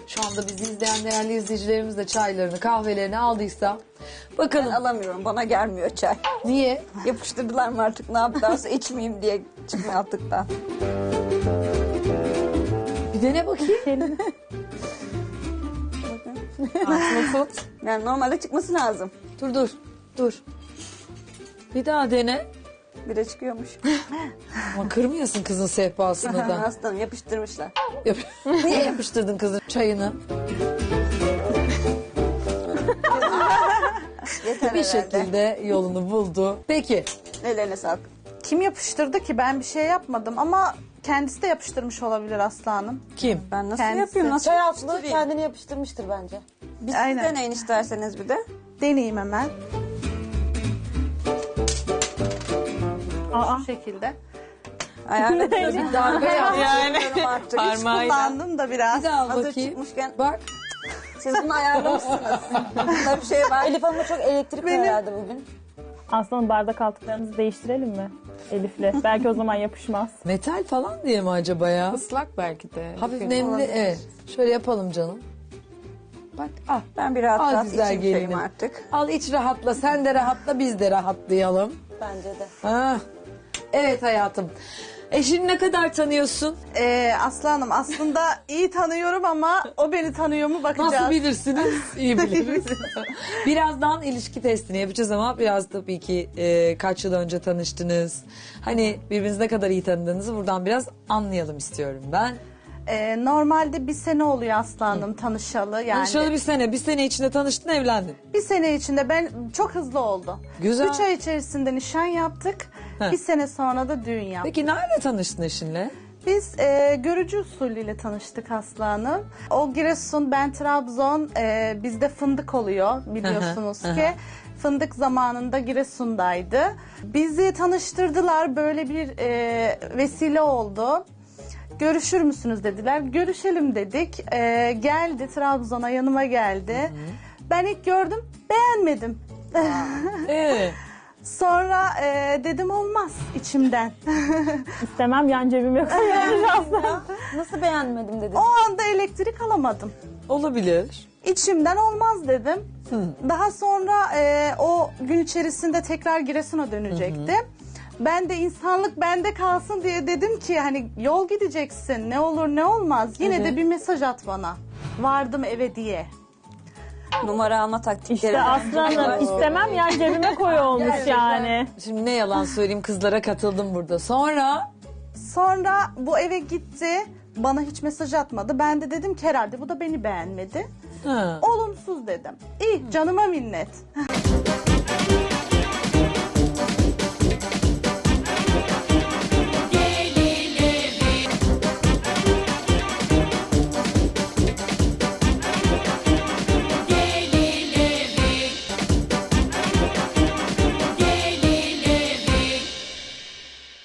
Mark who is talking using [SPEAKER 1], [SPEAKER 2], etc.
[SPEAKER 1] Şu anda bizi izleyen değerli izleyicilerimiz de çaylarını, kahvelerini aldıysa. Bakalım.
[SPEAKER 2] Ben alamıyorum. Bana gelmiyor çay.
[SPEAKER 1] Niye?
[SPEAKER 2] Yapıştırdılar mı artık ne yaptılarsa içmeyeyim diye çıkma yaptıktan.
[SPEAKER 1] Bir dene bakayım. Aslında tut.
[SPEAKER 2] Yani normalde çıkması lazım.
[SPEAKER 1] Dur. Bir daha dene.
[SPEAKER 2] Bir de çıkıyormuş.
[SPEAKER 1] Ama kırmıyorsun kızın sehpasını da.
[SPEAKER 2] Aslanım yapıştırmışlar.
[SPEAKER 1] Niye yapıştırdın kızın çayını?
[SPEAKER 2] Yeter
[SPEAKER 1] Bir
[SPEAKER 2] herhalde.
[SPEAKER 1] şekilde yolunu buldu. Peki.
[SPEAKER 2] Ellerine sağlık.
[SPEAKER 3] Kim yapıştırdı ki? Ben bir şey yapmadım ama kendisi de yapıştırmış olabilir Aslı Hanım.
[SPEAKER 1] Kim?
[SPEAKER 2] Ben nasıl
[SPEAKER 3] Kendisi.
[SPEAKER 2] yapayım? Nasıl
[SPEAKER 4] Çay altlığı
[SPEAKER 2] yapıştırayım?
[SPEAKER 4] kendini yapıştırmıştır bence.
[SPEAKER 2] Bir
[SPEAKER 3] Aynen.
[SPEAKER 2] siz deneyin isterseniz bir de.
[SPEAKER 3] Deneyeyim hemen.
[SPEAKER 4] Aa.
[SPEAKER 3] Şu şekilde.
[SPEAKER 2] Ayarladım.
[SPEAKER 1] Bir darbe yap.
[SPEAKER 2] Yani. Artık.
[SPEAKER 3] Hiç kullandım da biraz.
[SPEAKER 1] Bir daha al
[SPEAKER 2] Hazır
[SPEAKER 1] bakayım.
[SPEAKER 2] çıkmışken
[SPEAKER 1] Bak.
[SPEAKER 2] siz bunu ayarlamışsınız. Bunda bir şey var.
[SPEAKER 4] Elif Hanım'a çok elektrik var herhalde bugün.
[SPEAKER 5] Aslanım bardak altlıklarımızı değiştirelim mi Elif'le? Belki o zaman yapışmaz.
[SPEAKER 1] Metal falan diye mi acaba ya?
[SPEAKER 6] Islak belki de.
[SPEAKER 1] Hafif nemli. Evet. Şöyle yapalım canım. Bak al.
[SPEAKER 2] Ben bir rahat
[SPEAKER 1] Al
[SPEAKER 2] rahat
[SPEAKER 1] güzel
[SPEAKER 2] içeyim çayımı
[SPEAKER 1] gelinim.
[SPEAKER 2] artık.
[SPEAKER 1] Al iç rahatla. Sen de rahatla biz de rahatlayalım.
[SPEAKER 4] Bence de.
[SPEAKER 1] Ha. Evet hayatım. Eşini ne kadar tanıyorsun?
[SPEAKER 3] Aslı Hanım aslında iyi tanıyorum ama o beni tanıyor mu bakacağız.
[SPEAKER 1] Nasıl bilirsiniz? İyi biliriz. Birazdan ilişki testini yapacağız ama biraz tabii ki kaç yıl önce tanıştınız. Hani birbirinizi ne kadar iyi tanıdığınızı buradan biraz anlayalım istiyorum ben.
[SPEAKER 3] Normalde bir sene oluyor Aslı Hanım tanışalı. Yani
[SPEAKER 1] Tanışalı bir sene içinde tanıştın evlendin.
[SPEAKER 3] bir sene içinde ben çok hızlı oldu.
[SPEAKER 1] Güzel.
[SPEAKER 3] 3 ay içerisinde nişan yaptık.
[SPEAKER 1] Heh.
[SPEAKER 3] Bir sene sonra da düğün yaptık.
[SPEAKER 1] Peki nerede tanıştın eşinle?
[SPEAKER 3] Biz görücü usulüyle tanıştık Aslı Hanım. O Giresun, ben Trabzon. Bizde fındık oluyor biliyorsunuz
[SPEAKER 1] Hı hı,
[SPEAKER 3] ki. Fındık zamanında Giresun'daydı. Bizi tanıştırdılar. Böyle bir vesile oldu. Görüşür müsünüz dediler. Görüşelim dedik. Geldi Trabzon'a yanıma geldi. Ben ilk gördüm beğenmedim. Sonra dedim olmaz içimden.
[SPEAKER 5] İstemem yan cebime koyuyoruz Aslan.
[SPEAKER 4] Nasıl beğenmedim dedi.
[SPEAKER 3] O anda elektrik alamadım.
[SPEAKER 1] Olabilir.
[SPEAKER 3] İçimden olmaz dedim. Daha sonra o gün içerisinde tekrar Giresun'a dönecekti. Ben de insanlık bende kalsın diye dedim ki hani yol gideceksin ne olur ne olmaz. Yine de bir mesaj at bana. Vardım eve diye.
[SPEAKER 2] Numara alma taktikleri.
[SPEAKER 5] İşte Aslanım istemem yan cebime koy olmuş yani.
[SPEAKER 1] Şimdi ne yalan söyleyeyim kızlara katıldım burada. Sonra
[SPEAKER 3] Sonra bu eve gitti. Bana hiç mesaj atmadı. Ben de dedim ki herhalde bu da beni beğenmedi.
[SPEAKER 1] ha.
[SPEAKER 3] Olumsuz dedim. İyi canıma minnet.